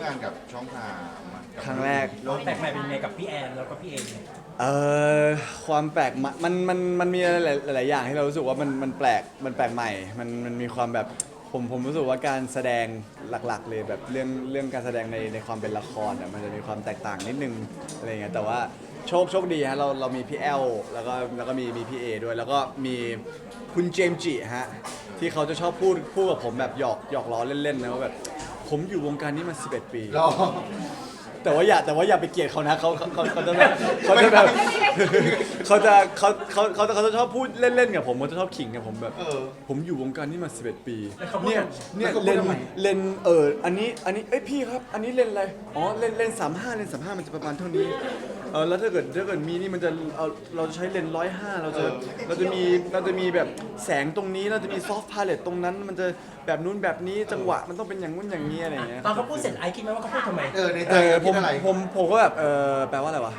านกับช่องทางครั้งแรกความแปลกใหม่เป็นยังไงกับพี่แอนแล้วก็พี่เอเอความแปลกใหม่มันมีหลายอย่างที่เรารู้สึกว่ามันแปลกใหม่มันมีความแบบผมรู้สึกว่าการแสดงหลักๆเลยแบบเรื่องการแสดงในความเป็นละครอ่ะมันจะมีความแตกต่างนิดนึงอะไรเงี้ยแต่ว่าโชคดีฮะเรามีพี่แอลแล้วก็มีพี่เอด้วยแล้วก็มีคุณเจมส์จิฮะที่เขาจะชอบพูดกับผมแบบหยอกล้อเล่นๆนะว่าแบบผมอยู่วงการนี้มา11 ปีรอแต่ว่าอย่าไปเกลียดเขานะเขาจะแบบเขาจะชอบพูดเล่นๆกับผมเขาจะชอบขิงกับผมแบบผมอยู่วงการนี้มา11 ปีเนี่ยเลนอันนี้เอ้ยพี่ครับอันนี้เลนอะไรอ๋อเลน35เลน35มันจะประมาณเท่านี้แล้วถ้าเกิดมีนี่มันจะเราจะใช้เลน105เราจะมีแบบแสงตรงนี้เราจะมีซอฟต์พาเลตตรงนั้นมันจะแบบนู้นแบบนี้จังหวะมันต้องเป็นอย่างนู้นอย่างนี้อะไรอย่างเงี้ยตอนเขาพูดเสร็จไอคิดไหมว่าเขาพูดทำไมในใจคิดอะไรผมก็แบบแปลว่าอะไรวะ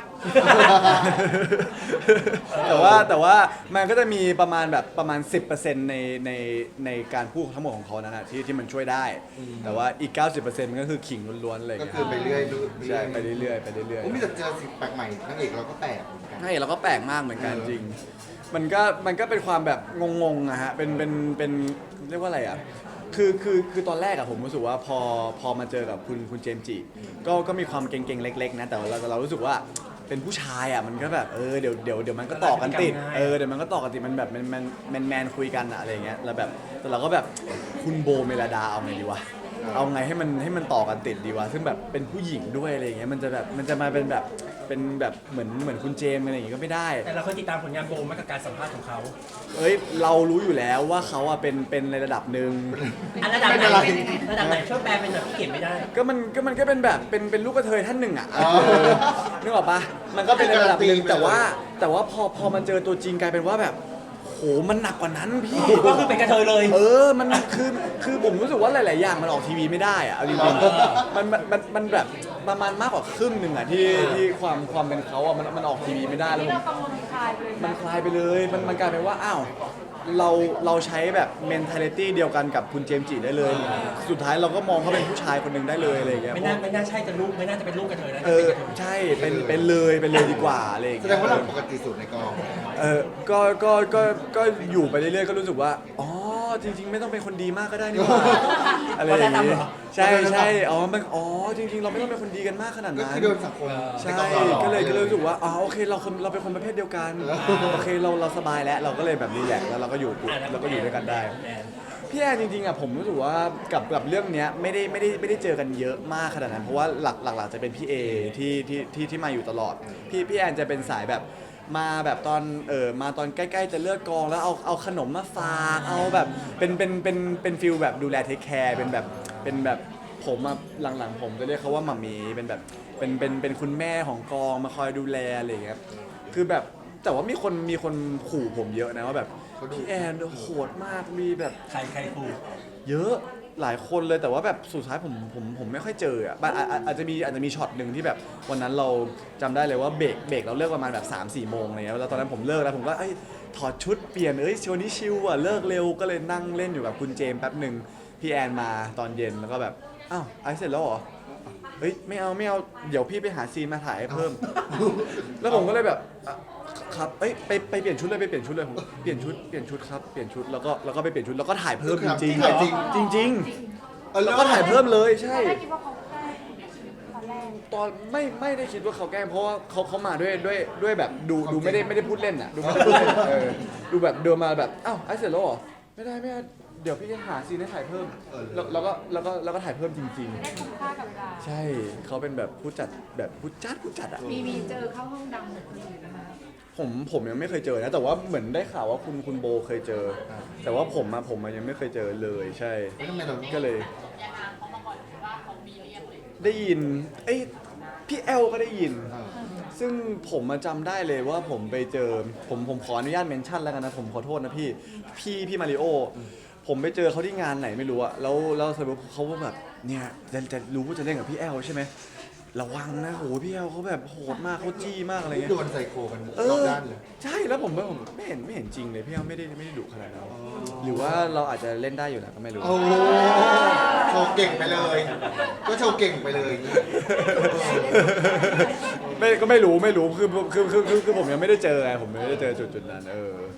แต่ว่ามันก็จะมีประมาณ 10%ในการพูดทั้งหมดของเขานั่นแหะที่มันช่วยได้ แต่ว่าอีก 90%มันก็คือขิงล้วนๆเลยก็คือไปเรื่อยใช่ไปเรื่อยผมมีแต่เจอสิ่งแปลกใหม่นางเอกเราก็แปลกเหมือนกันใช่เราก็แปลกมากเหมือนกันจริงมันก็เป็นความแบบงงๆอะฮะเป็นเรียกว่าอะไรอะคือตอนแรกอะผมรู้สึกว่าพอมาเจอกับคุณเจมส์จิก็มีความเก่งๆเล็กๆนะแต่เรารู้สึกว่าเป็นผู้ชายอะมันก็แบบเดี๋ยวมันก็ต่อกันติดเดี๋ยวมันก็ต่อกันติดมันแบบแมนคุยกันอะอะไรเงี้ยแล้วแบบแต่เราก็แบบคุณโบเมลดาเอาไงดีวะเอาไงให้มันต่อกันติดดีวะซึ่งแบบเป็นผู้หญิงด้วยอะไรเงี้ยมันจะมาเป็นแบบเหมือนคุณเจมอะไรอย่างงี้ก็ไม่ได้แต่เราเคยติดตามผลงานโบมากับการสัมภาษณ์ของเขาเรารู้อยู่แล้วว่าเขาอะเป็นในระดับหนึ่งระดับไหนช่วยแปลเป็นแบบที่เขียนไม่ได้มันก็เป็นแบบเป็นลูกกระเทยท่านหนึ่งอะนึกออกปะมันก็เป็นในระดับหนึ่งแต่ว่าพอมันเจอตัวจริงกลายเป็นว่าแบบโหมันหนักกว่านั้นพี่ก็คือเป็นกระเทยเลยมันคือผมรู้สึกว่าหลายๆอย่างมันออกทีวีไม่ได้อะเอาจริงๆมันแบบประมาณมากกว่าครึ่งหนึ่งอะที่ความเป็นเขาอะมันออกทีวีไม่ได้แล้วมันคลายไปเลยมันกลายเป็นว่าอ้าวเราใช้แบบ mentality เดียวกันกับคุณเจมส์จิได้เลยสุดท้ายเราก็มองเขาเป็นผู้ชายคนหนึ่งได้เลยอะไรอย่างเงี้ยไม่น่าใช่จะลูกไม่น่าจะเป็นลูกกระเทยนะใช่เป็นเลยดีกว่าอะไรอย่างแสเงี้ยดงว่าเราปกติสุดในกองก็อยู่ไปเรื่อยๆก็รู้สึกว่าอ๋อจริงๆไม่ต้องเป็นคนดีมากก็ได้นี่หว่าอะไรอย่างเงี้ยใช่จริงๆเราไม่ต้องเป็นคนดีกันมากขนาดนั้นก็คือโดนสังคมใช่ก็เลยรู้สึกว่าอ๋อโอเคเราเป็นคนประเภทเดียวกันโอเคเราสบายแล้วเราก็เลยแบบรีแลกซ์แล้วเราก็อยู่ด้วยกันได้พี่แอนจริงๆอ่ะผมรู้สึกว่ากับเรื่องเนี้ยไม่ได้เจอกันเยอะมากขนาดนั้นเพราะว่าหลักจะเป็นพี่เอที่มาอยู่ตลอดพี่แอนจะเป็นสายแบบมาแบบมาตอนใกล้ๆจะเลิกกองแล้วเอาขนมมาฝากเอาแบบเป็นฟิลแบบดูแลเทคแคร์เป็นแบบผมอะหลังๆผมจะเรียกเขาว่าหม่ามีเป็นแบบเป็นคุณแม่ของกองมาคอยดูแลอะไรอย่างเงี้ยคือแบบแต่ว่ามีคนขู่ผมเยอะนะว่าแบบพี่แอนโหดมากมีแบบใครขู่เยอะหลายคนเลยแต่ว่าแบบสุดท้ายผมไม่ค่อยเจออ่ะอาจจะมีช็อตหนึ่งที่แบบวันนั้นเราจำได้เลยว่าเบรกเราเลิกประมาณแบบ3-4 โมงอะไรเงี้ยแล้วตอนนั้นผมเลิกแล้วผมก็ถอดชุดเปลี่ยนวันนี้ชิลอ่ะเลิกเร็วก็เลยนั่งเล่นอยู่กับคุณเจมแป๊บหนึ่งพี่แอนมาตอนเย็นแล้วก็แบบอ้าวไอเสร็จแล้วเหรอไม่เอาเดี๋ยวพี่ไปหาซีนมาถ่ายให้เพิ่มแล้วผมก็เลยแบบครับไปเปลี่ยนชุดเลยผมเปลี่ยนชุดครับเปลี่ยนชุดแล้วก็ไปเปลี่ยนชุดแล้วก็ถ่ายเพิ่มจริงแล้วก็ถ่ายเพิ่มเลยใช่ตอนไม่ได้คิดว่าเขาแกล้งเพราะว่าเขามาด้วยแบบดูไม่ได้พูดเล่นอ่ะดูไม่ได้พูดเล่นดูแบบเดินมาแบบอ้าวไอเสร็จแล้วเหรอไม่ได้เดี๋ยวพี่จะหาซีนให้ถ่ายเพิ่มแล้วก็ถ่ายเพิ่มจริงได้คุ้มค่ากับเวลาใช่เขาเป็นแบบผู้จัดอ่ะมีเจอเข้าห้องดำเหมือนคนอื่นนะคะผมยังไม่เคยเจอนะแต่ว่าเหมือนได้ข่าวว่าคุณโบเคยเจอแต่ว่าผมยังไม่เคยเจอเลยใช่ก็เลยได้ยินพี่แอลก็ได้ยินซึ่งผมจำได้เลยว่าผมไปเจอผมขออนุญาตเมนชั่นแล้วกันนะผมขอโทษนะพี่มาริโอผมไปเจอเขาที่งานไหนไม่รู้อะแล้วเขาว่าแบบเนี่ยจะรู้ว่าจะเล่นกับพี่แอลใช่ไหมระวังนะโหพี่แอลเขาแบบโหดมากเขาจี้มากอะไรเงี้ยโดนไซโคกันรอบด้านเลยใช่แล้วผมไม่เห็นจริงเลยพี่แอลไม่ได้ดุขนาดนั้นหรือว่าเราอาจจะเล่นได้อยู่นะก็ไม่รู้โอ้โหเก่งไปเลย ก็โชว์เก่งไปเลยก็ไม่รู้คือผมยังไม่ได้เจอไงผมไม่ได้เจอจุดนั้น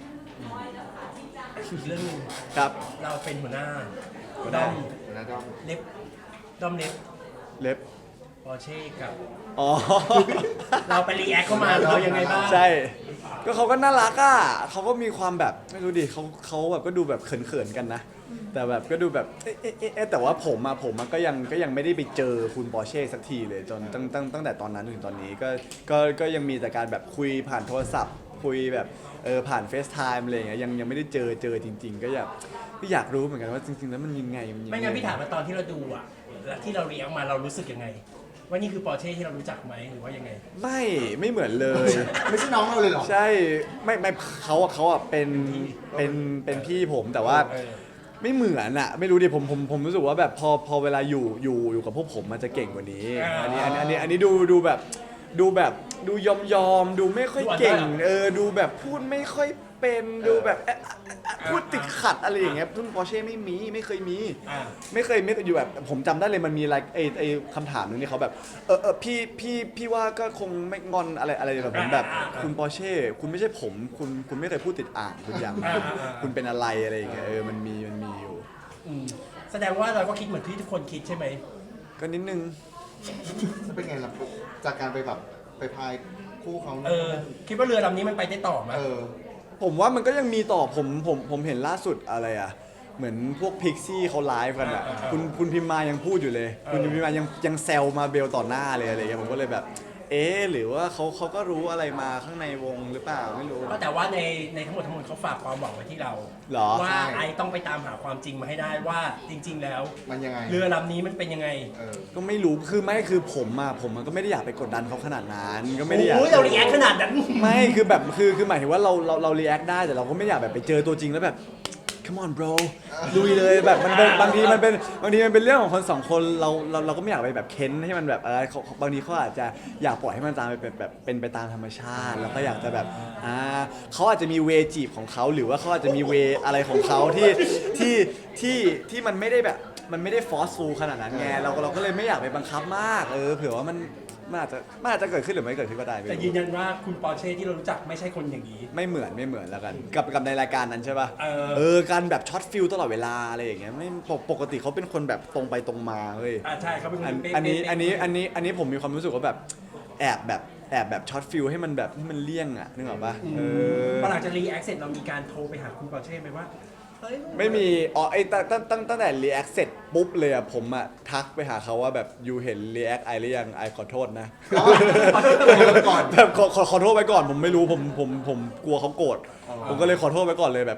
อีกเรื่องหนึงครับเราเป็นหัวหน้าหัวหน้าแล้วก็เล็บด้อมเล็บเล็บปอร์เช่กับอ๋อเราไปรีแอคเข้ามาเรายังไงบ้างใช่ ก็เขาก็น่ารักอ่ะเขาก็มีความแบบไม่รู้ดิเขาแบบก็ดูแบบเขินๆกันนะ แต่แบบก็ดูแบบแต่ว่าผมก็ยังไม่ได้ไปเจอคุณปอร์เช่สักทีเลยจนตั้งแต่ตอนนั้นถึงตอนนี้ก็ยังมีแต่การแบบคุยผ่านโทรศัพท์ คุยแบบผ่านเฟซไทม์อะไรอย่างเงี้ยยังไม่ได้เจอจริง ๆ ก็อยากรู้เหมือนกันว่าจริงๆแล้วมันยังไงไม่งั้นพี่ถามว่าตอนที่เราดูอ่ะแล้วที่เรารีแอคมาเรารู้สึกยังไง ว่านี่คือปอร์เช่ที่เรารู้จักไหมหรือว่ายังไงไม่เหมือนเลยไม่ใช่น้องเราเลยเหรอใช่ไม่เขาอ่ะเป็นพี่ผมแต่ว่า ไม่เหมือนอะไม่รู้ดิผมรู้สึกว่าแบบพอเวลาอยู่กับพวกผมมันจะเก่งกว่านี้ อันนี้ดูแบบดูยอมดูไม่ค่อยเก่งดูแบบพูดไม่ค่อยเป็นดูแบบพูดติดขัดอะไรอย่างเงี้ยซึ่งปอร์เช่ไม่เคยมีไม่เคยอยู่แบบผมจำได้เลยมันมีอะไรไอคำถามนึงที่เขาแบบพี่ว่าก็คงไม่งอนอะไรแบบผมแบบคุณปอร์เช่คุณไม่ใช่ผมคุณไม่เคยพูดติดอ่างคุณอย่างคุณเป็นอะไรอะไรอย่างเงี้ยมันมีอยู่แสดงว่าเราก็คิดเหมือนที่ทุกคนคิดใช่ไหมก็นิดนึงเป็นไงล่ะจากการไปแบบไปพายคู่เขาคิดว่าเรือลำนี้มันไปได้ต่อไหมผมว่ามันก็ยังมีต่อผมเห็นล่าสุดอะไรอ่ะเหมือนพวกพิกซี่เขาไลฟ์กันอ่ะคุณพิมมายังพูดอยู่เลยคุณพิมมายังแซวมาเบลต่อหน้าเลยอะไรอย่างเงี้ยผมก็เลยแบบหรือว่าเขาก็รู้อะไรมาข้างในวงหรือเปล่าไม่รู้ก็แต่ว่าในทั้งหมดเขาฝากความหวังไว้ที่เราหรอว่าไอต้องไปตามหาความจริงมาให้ได้ว่าจริง ๆ แล้วมันยังไงเรือลำนี้มันเป็นยังไงก็ไม่รู้คือผมก็ไม่ได้อยากไปกดดันเขาขนาดนั้นก็ไม่ได้อยากโอ้ยเรารีแอคขนาดนั้นไม่คือแบบคือหมายถึงว่าเรารีแอคได้แต่เราก็ไม่อยากแบบไปเจอตัวจริงแล้วแบบ come on bro ลุยเลยแบบมันบางทีมันเป็นเรื่องของคนสองคนเราก็ไม่อยากไปแบบเค้นให้มันแบบอะไรบางทีเขาอาจจะอยากปล่อยให้มันตามไปแบบเป็นไปตามธรรมชาติแล้วก็อยากจะแบบเขาอาจจะมีเวจีบของเขาหรือว่าเขาอาจจะมีเวอะไรของเขาที่มันไม่ได้แบบมันไม่ได้ฟอร์สฟูลขนาดนั้นไงเราก็เลยไม่อยากไปบังคับมากเผื่อว่ามันอาจจะเกิดขึ้นหรือไม่เกิดขึ้นก็ได้แต่ยืนยันว่าคุณปอร์เช่ที่เรารู้จักไม่ใช่คนอย่างนี้ไม่เหมือนแล้วกันกับในรายการนั้นใช่ป่ะการแบบช็อตฟิลตลอดเวลาอะไรอย่างเงี้ยไม่ปกติเขาเป็นคนแบบตรงไปตรงมาเฮ้ยใช่เขาเป็นคนอันนี้ผมมีความรู้สึกว่าแบบแอบแบบช็อตฟิลให้มันแบบให้มันเลี่ยงอ่ะนึกออกป่ะพอหลังจากรีแอคเสร็จเรามีการโทรไปหาคุณปอร์เช่ไหมว่าไม่มีตั้งแต่รีแอคเสร็จปุ๊บเลยอ่ะผมอ่ะทักไปหาเขาว่าแบบยูเห็นรีแอคไอหรือยังไอขอโทษนะแบบขอโทษไปก่อนผมไม่รู้ผมกลัวเขาโกรธผมก็เลยขอโทษไปก่อนเลยแบบ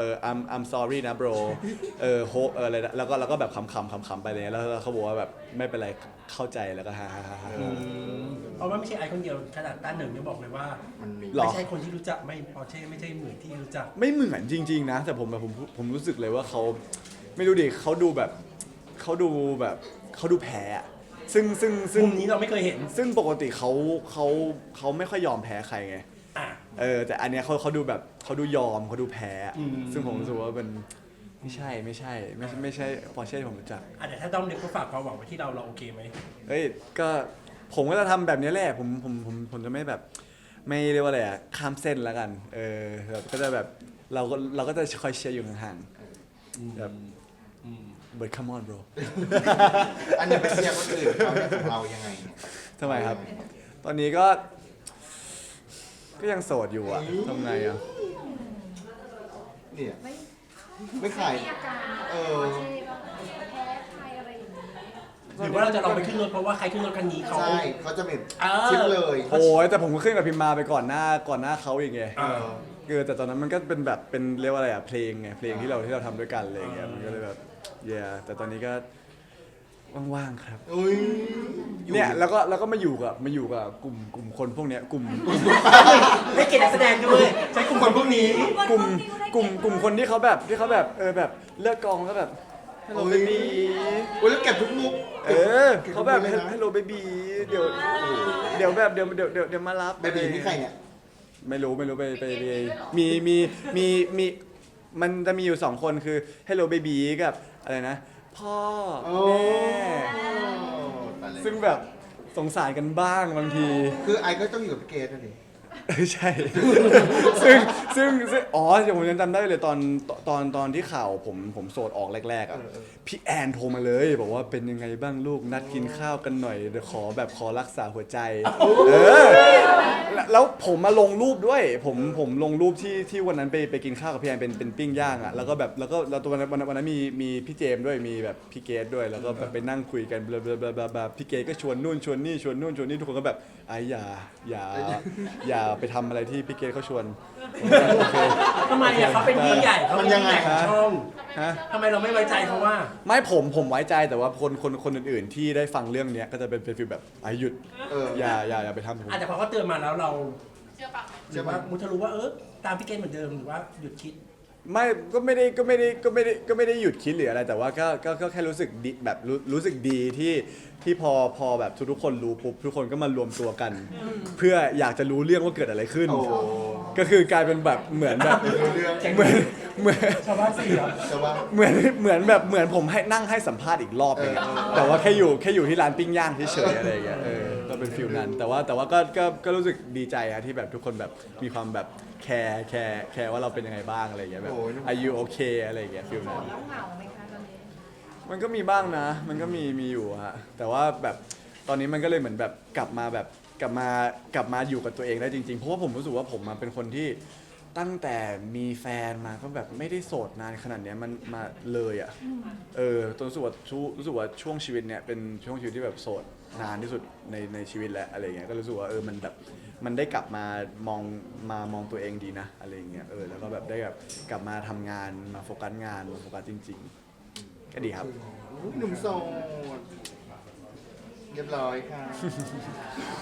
I'm sorry นะ bro อะไรแล้วก็แบบขำไปเลยแล้วเขาบอกว่าแบบไม่เป็นไรเข้าใจแล้วก็ฮ่าเพราะว่าไม่ใช่ไอคนเดียวขนาดต้าหนึ่งยังบอกเลยว่าไม่ใช่คนที่รู้จักไม่ปอร์เช่ไม่ใช่เหมือนที่รู้จักไม่เหมือนจริงๆนะแต่ผมรู้สึกเลยว่าเขาไม่รู้ดิเขาดูแพ้ซึ่งมุมนี้เราไม่เคยเห็นซึ่งปกติเขาไม่ค่อยยอมแพ้ใครไงแต่อันเนี้ยเขาดูแบบเขาดูยอมเขาดูแพ้ซึ่งผมรู้สึกว่ามันไม่ใช่ปอร์เช่ที่ผมรู้จักแต่ถ้าต้องเด็กก็ฝากความหวังไว้ที่เราโอเคไหมก็ผมก็จะทำแบบนี้แหละผมจะไม่แบบไม่เรียกว่าอะไรข้ามเส้นแล้วกันแบบก็จะแบบเราก็จะคอยเชียร์อยู่ห่างๆแบบเบิร์ดคัมออนโบรอันนี้ไปเชียร์คนอื่นของเรายังไงทำไมครับตอนนี้ก็ยังโสดอยู่อ่ะทำไงอ่ะเนี่ยไม่ขายแพ้ใครอะไรอย่างนี้หรือว่าเราจะลองไปขึ้นรถเพราะว่าใครขึ้นรถคันนี้เขาใช่เขาจะเป็นชิปเลยโอ้ยแต่ผมก็ขึ้นกับพิมมาไปก่อนหน้าเขาอย่างเงี้ยแต่ตอนนั้นมันก็เป็นแบบเป็นเรียกว่าอะไรเพลงไงเพลงที่เราทำด้วยกันอะไรอย่างเงี้ยมันก็เลยแบบแต่ตอนนี้ก็ว่างๆครับเนี่ยแล้วก็มาอยู่กับกลุ่มคนพวกเนี้ยกลุ่มให้เกียรตินักแสดงด้วยใช้กลุ่มคนพวกนี้กลุ่มคนที่เขาแบบแบบเลิกกองแล้วแบบฮัลโหลเบบี้แล้วเก็บทุกมุกเขาแบบฮัลโหลเบบี้เดี๋ยวแบบเดี๋ยวมารับเบบี้นี่ใครเนี่ยไม่รู้ไปมีมันจะมีอยู่2คนคือ Hello Baby กับอะไรนะพ่อโอ้แม่ตายแล้วซึ่งแบบสงสารกันบ้างบางทีคือไอก็ต้องอยู่กับพี่เกดนะดิใช่ ซึ่งอ๋อเดี๋ยวผมยังจำได้เลยตอนที่ข่าวผมโสดออกแรกๆอ่ะพี่แอนโทรมาเลยบอกว่าเป็นยังไงบ้างลูกนัดกินข้าวกันหน่อยเดี๋ยวขอรักษาหัวใจแล้วผมมาลงรูปด้วยผมลงรูปที่วันนั้นไปกินข้าวกับพี่แอนเป็นปิ้งย่างอ่ะแล้วก็ตัววันนั้นมีพี่เจมส์ด้วยมีแบบพี่เกดด้วยแล้วก็แบบไปนั่งคุยกันแบบพี่เกดก็ชวนนู่นชวนนี่ทุกคนก็แบบไอ้อย่าไปทำอะไรที่พี่เกดเขาชวน โอเคทำไมอ่ะเขาเป็นพี่ใหญ่เขาเป็นพี่ใหญ่ของช่องฮะทำไมเราไม่ไว้ใจเขาว่าไม่ผมไว้ใจแต่ว่าคนอื่นๆที่ได้ฟังเรื่องเนี้ยก็จะเป็นฟีลแบบไอ้หยุด อย่าไปทำผมอาจจะพอเขาเตือนมาแล้วเราเชื่อปะหรือว่ามุทะรู้ว่าตามพี่เกณฑ์เหมือนเดิมหรือว่าหยุดคิดไม่ก็ไม่ได้หยุดคิดหรืออะไรแต่ว่าก็แค่รู้สึกดีแบบรู้สึกดีที่พอแบบทุกคนรู้ปุ๊บทุกคนก็มารวมตัวกัน เพื่ออยากจะรู้เรื่องว่าเกิดอะไรขึ้นโอ้ก็คือกลายเป็นแบบเหมือนแบบรู้เรื่องเหมือนชาวบ้านสี่เหรอแต่ว่าเหมือนผมให้นั่งให้สัมภาษณ์อีกรอบนึงอะแต่ว่าแค่อยู่ที่ร้านปิ้งย่างเฉยๆอะไรอย่างเงี้ยก็เป็นฟิลนั้นแต่ว่าก็รู้สึกดีใจอะที่แบบทุกคนแบบมีความแบบแคร์ว่าเราเป็นยังไงบ้างอะไรอย่างเงี้ยแบบ Are you okay อะไรอย่างเงี้ยฟิลนั้นแล้วเหงาไหมคะตอนนี้มันก็มีบ้างนะ มันก็มีอยู่ฮะ แต่ว่าแบบตอนนี้มันก็เลยเหมือนแบบกลับมาอยู่กับตัวเองได้จริงๆ เพราะว่าผมรู้สึกว่าผมมาเป็นคนที่ตั้งแต่มีแฟนมาก็แบบไม่ได้โสดนานขนาดเนี้ยมันมาเลยอ่ะตอนรู้สึกว่าช่วงชีวิตเนี่ยเป็นช่วงชีวิตที่แบบโสดนานที่สุดในชีวิตแล้วอะไรเงี้ย ก็รู้สึกว่ามันแบบมันได้กลับมามองตัวเองดีนะอะไรเงี้ยแล้วก็แบบได้แบบกลับมาทำงานมาโฟกัสงานมาโฟกัสจริงๆ ก็ดีครับหนุ่มโสดเรียบร้อยค่ะ